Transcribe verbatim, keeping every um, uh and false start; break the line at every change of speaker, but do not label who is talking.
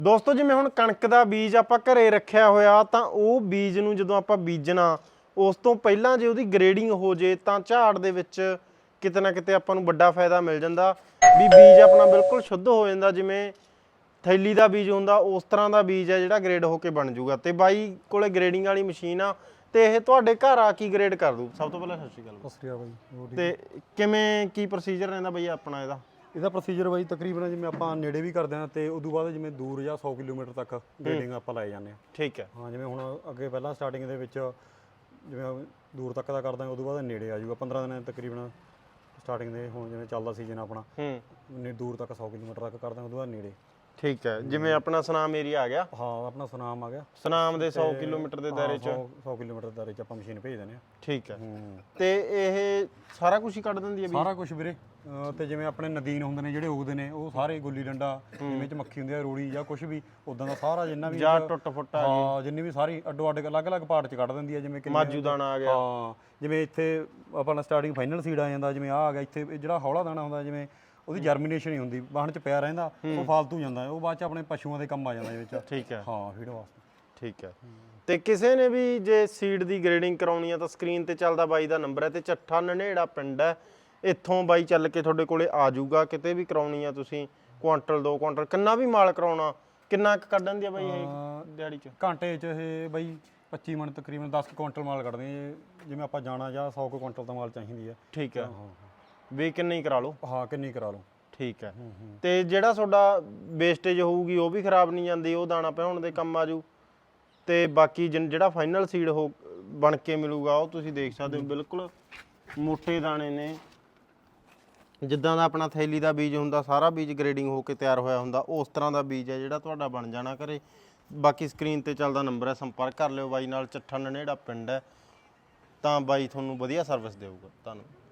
ਦੋਸਤੋ ਜਿਵੇਂ ਹੁਣ ਕਣਕ ਦਾ ਬੀਜ ਆਪਾਂ ਘਰੇ ਰੱਖਿਆ ਹੋਇਆ ਤਾਂ ਉਹ ਬੀਜ ਨੂੰ ਜਦੋਂ ਆਪਾਂ ਬੀਜਣਾ ਉਸ ਤੋਂ ਪਹਿਲਾਂ ਜੇ ਉਹਦੀ ਗ੍ਰੇਡਿੰਗ ਹੋ ਜੇ ਤਾਂ ਝਾੜ ਦੇ ਵਿੱਚ ਕਿਤੇ ਨਾ ਕਿਤੇ ਆਪਾਂ ਨੂੰ ਵੱਡਾ ਫਾਇਦਾ ਮਿਲ ਜਾਂਦਾ ਵੀ ਬੀਜ ਆਪਣਾ ਬਿਲਕੁਲ ਸ਼ੁੱਧ ਹੋ ਜਾਂਦਾ। ਜਿਵੇਂ ਥੈਲੀ ਦਾ ਬੀਜ ਹੁੰਦਾ ਉਸ ਤਰ੍ਹਾਂ ਦਾ ਬੀਜ ਹੈ ਜਿਹੜਾ ਗ੍ਰੇਡ ਹੋ ਕੇ ਬਣ ਜੂਗਾ। ਤੇ ਬਾਈ ਕੋਲੇ ਗ੍ਰੇਡਿੰਗ ਵਾਲੀ ਮਸ਼ੀਨ ਆ ਤੇ ਇਹ ਤੁਹਾਡੇ ਘਰ ਆ ਕੀ ਗ੍ਰੇਡ ਕਰ ਦੂ। ਸਭ ਤੋਂ ਪਹਿਲਾਂ ਸਤਿ ਸ਼੍ਰੀ ਅਕਾਲ।
ਸਤਿ ਸ਼੍ਰੀ ਅਕਾਲ ਬਾਈ।
ਤੇ ਕਿਵੇਂ ਕੀ ਪ੍ਰੋਸੀਜਰ ਰਹਿੰਦਾ ਬਾਈ ਆਪਣਾ ਇਹਦਾ?
ਇਹਦਾ ਪ੍ਰੋਸੀਜਰ ਬਾਈ ਤਕਰੀਬਨ ਜਿਵੇਂ ਆਪਾਂ ਨੇੜੇ ਵੀ ਕਰਦੇ ਹਾਂ ਤੇ ਉਦੋਂ ਬਾਅਦ ਜਿਵੇਂ ਦੂਰ ਜਾਂ ਸੌ ਕਿਲੋਮੀਟਰ ਤੱਕ ਗ੍ਰੇਡਿੰਗ ਆਪਾਂ ਲੈ ਜਾਂਦੇ ਹਾਂ।
ਠੀਕ ਹੈ।
ਹਾਂ ਜਿਵੇਂ ਹੁਣ ਅੱਗੇ ਪਹਿਲਾਂ ਸਟਾਰਟਿੰਗ ਦੇ ਵਿੱਚ ਜਿਵੇਂ ਦੂਰ ਤੱਕ ਦਾ ਕਰਦੇ ਹਾਂ ਉਦੋਂ ਬਾਅਦ ਨੇੜੇ ਆ ਜਾਊਗਾ ਪੰਦਰਾਂ ਦਿਨ ਤਕਰੀਬਨ ਸਟਾਰਟਿੰਗ ਦੇ। ਹੁਣ ਜਿਵੇਂ ਚੱਲਦਾ ਸੀਜ਼ਨ ਆਪਣਾ
ਹੂੰ
ਦੂਰ ਤੱਕ ਸੌ ਕਿਲੋਮੀਟਰ ਤੱਕ ਕਰਦੇ ਹਾਂ ਉਦੋਂ ਬਾਅਦ ਨੇੜੇ।
ਠੀਕ ਹੈ। ਜਿਵੇਂ ਆਪਣਾ ਸੁਨਾਮ ਏਰੀਆ ਆ ਗਿਆ।
ਹਾਂ ਆਪਣਾ ਸੁਨਾਮ ਆ ਗਿਆ।
ਸੁਨਾਮ ਦੇ ਸੌ ਕਿਲੋਮੀਟਰ ਦੇ ਦਾਇਰੇ ਚ
ਸੌ ਕਿਲੋਮੀਟਰ ਦੇ ਦਾਇਰੇ ਚ ਆਪਾਂ ਮਸ਼ੀਨ ਭੇਜ ਦਿੰਦੇ ਹਾਂ।
ਠੀਕ ਹੈ। ਤੇ ਇਹ ਸਾਰਾ ਕੁਝ ਹੀ ਕੱਢ ਦਿੰਦੀ ਹੈ ਵੀ?
ਸਾਰਾ ਕੁਝ ਵੀਰੇ। ਤੇ ਜਿਵੇਂ ਆਪਣੇ ਨਦੀਨ ਹੁੰਦੇ ਨੇ ਜਿਹੜੇ ਉਗਦੇ ਨੇ ਉਹ ਸਾਰੇ ਗੁੱਲੀ ਡੰਡਾ ਜਿਵੇਂ ਚ ਮੱਖੀ ਹੁੰਦੀ ਹੈ ਰੋੜੀ ਜਾਂ ਕੁਝ ਵੀ ਉਦਾਂ ਦਾ ਸਾਰਾ ਜਿੰਨਾ ਵੀ
ਜਾਂ ਟੁੱਟ ਫੁੱਟ ਆ
ਹਾਂ ਜਿੰਨੀ ਵੀ ਸਾਰੀ ਅੱਡੋ ਅੱਡ ਅਲੱਗ-ਅਲੱਗ ਪਾਰਟ ਚ ਕੱਢ ਦਿੰਦੀ ਹੈ। ਜਿਵੇਂ
ਮਾਜੂ ਦਾਣਾ ਆ ਗਿਆ।
ਹਾਂ ਜਿਵੇਂ ਇੱਥੇ ਆਪਣਾ ਸਟਾਰਟਿੰਗ ਫਾਈਨਲ ਸੀਡ ਆ ਜਾਂਦਾ ਜਿਵੇਂ ਆ ਆ ਗਿਆ ਇੱਥੇ ਜਿਹੜਾ ਹੌਲਾ ਦਾਣਾ ਹੁੰਦਾ ਜਿਵੇਂ ਉਹਦੀ ਜਰਮੀਨੇਸ਼ਨ ਹੀ ਹੁੰਦੀ ਵਾਹਣ ਚ ਪਿਆ ਰਹਿੰਦਾ ਉਹ ਫਾਲਤੂ ਜਾਂਦਾ ਉਹ ਬਾਅਦ ਚ ਆਪਣੇ ਪਸ਼ੂਆਂ ਦੇ ਕੰਮ ਆ ਜਾਂਦਾ ਵਿੱਚ।
ਠੀਕ ਹੈ।
ਹਾਂ ਫੀਡ ਵਾਸਤੇ।
ਠੀਕ ਹੈ। ਤੇ ਕਿਸੇ ਨੇ ਵੀ ਜੇ ਸੀਡ ਦੀ ਗ੍ਰੇਡਿੰਗ ਕਰਾਉਣੀ ਆ ਤਾਂ ਸਕਰੀਨ ਤੇ ਚੱਲਦਾ ਬਾਈ ਦਾ ਨੰਬਰ ਹੈ ਤੇ ਚੱਠਾ ਨਨੇੜਾ ਪਿੰਡ ਹੈ। ਇੱਥੋਂ ਬਾਈ ਚੱਲ ਕੇ ਤੁਹਾਡੇ ਕੋਲੇ ਆ ਜਾਊਗਾ। ਕਿਤੇ ਵੀ ਕਰਾਉਣੀ ਆ ਤੁਸੀਂ ਕੁਆਂਟਲ ਦੋ ਕੁਆਂਟਲ ਕਿੰਨਾ ਵੀ ਮਾਲ ਕਰਾਉਣਾ ਕਿੰਨਾ ਕੁ ਕੱਢਣ ਦੀ ਆ ਬਾਈ ਇਹ ਦਿਹਾੜੀ ਚ?
ਘੰਟੇ ਚ ਇਹ ਬਾਈ ਪੱਚੀ ਮਿੰਟ ਤਕਰੀਬਨ ਦਸ ਕੁਆਂਟਲ ਮਾਲ ਕੱਢਦੇ ਆ। ਜਿਵੇਂ ਆਪਾਂ ਜਾਣਾ ਜਾਂ ਸੌ ਕੁਆਂਟਲ ਦਾ ਮਾਲ ਚਾਹੀਦੀ ਹੈ।
ਠੀਕ ਹੈ। ਵੀ ਕਿੰਨੀ ਹੀ ਕਰਾ ਲਓ।
ਹਾਂ ਕਿੰਨੀ ਕਰਾ ਲਓ।
ਠੀਕ ਹੈ। ਤੇ ਜਿਹੜਾ ਤੁਹਾਡਾ ਵੇਸਟੇਜ ਹੋਊਗੀ ਉਹ ਵੀ ਖਰਾਬ ਨਹੀਂ ਜਾਂਦੀ ਉਹ ਦਾਣਾ ਪਿਆਉਣ ਦੇ ਕੰਮ ਆਜੂ। ਤੇ ਬਾਕੀ ਜਿਹੜਾ ਫਾਈਨਲ ਸੀਡ ਹੋ ਬਣ ਕੇ ਮਿਲੂਗਾ ਉਹ ਤੁਸੀਂ ਦੇਖ ਸਕਦੇ ਹੋ ਬਿਲਕੁਲ ਮੋਟੇ ਦਾਣੇ ਨੇ ਜਿੱਦਾਂ ਦਾ ਆਪਣਾ ਥੈਲੀ ਦਾ ਬੀਜ ਹੁੰਦਾ ਸਾਰਾ ਬੀਜ ਗ੍ਰੇਡਿੰਗ ਹੋ ਕੇ ਤਿਆਰ ਹੋਇਆ ਹੁੰਦਾ ਉਸ ਤਰ੍ਹਾਂ ਦਾ ਬੀਜ ਹੈ ਜਿਹੜਾ ਤੁਹਾਡਾ ਬਣ ਜਾਣਾ ਘਰੇ। ਬਾਕੀ ਸਕਰੀਨ ਤੇ ਚੱਲਦਾ ਨੰਬਰ ਹੈ ਸੰਪਰਕ ਕਰ ਲਿਓ ਬਾਈ ਨਾਲ। ਚੱਠਾ ਨਨੇੜਾ ਪਿੰਡ ਹੈ ਤਾਂ ਬਾਈ ਤੁਹਾਨੂੰ ਵਧੀਆ ਸਰਵਿਸ ਦੇਊਗਾ। ਧੰਨਵਾਦ।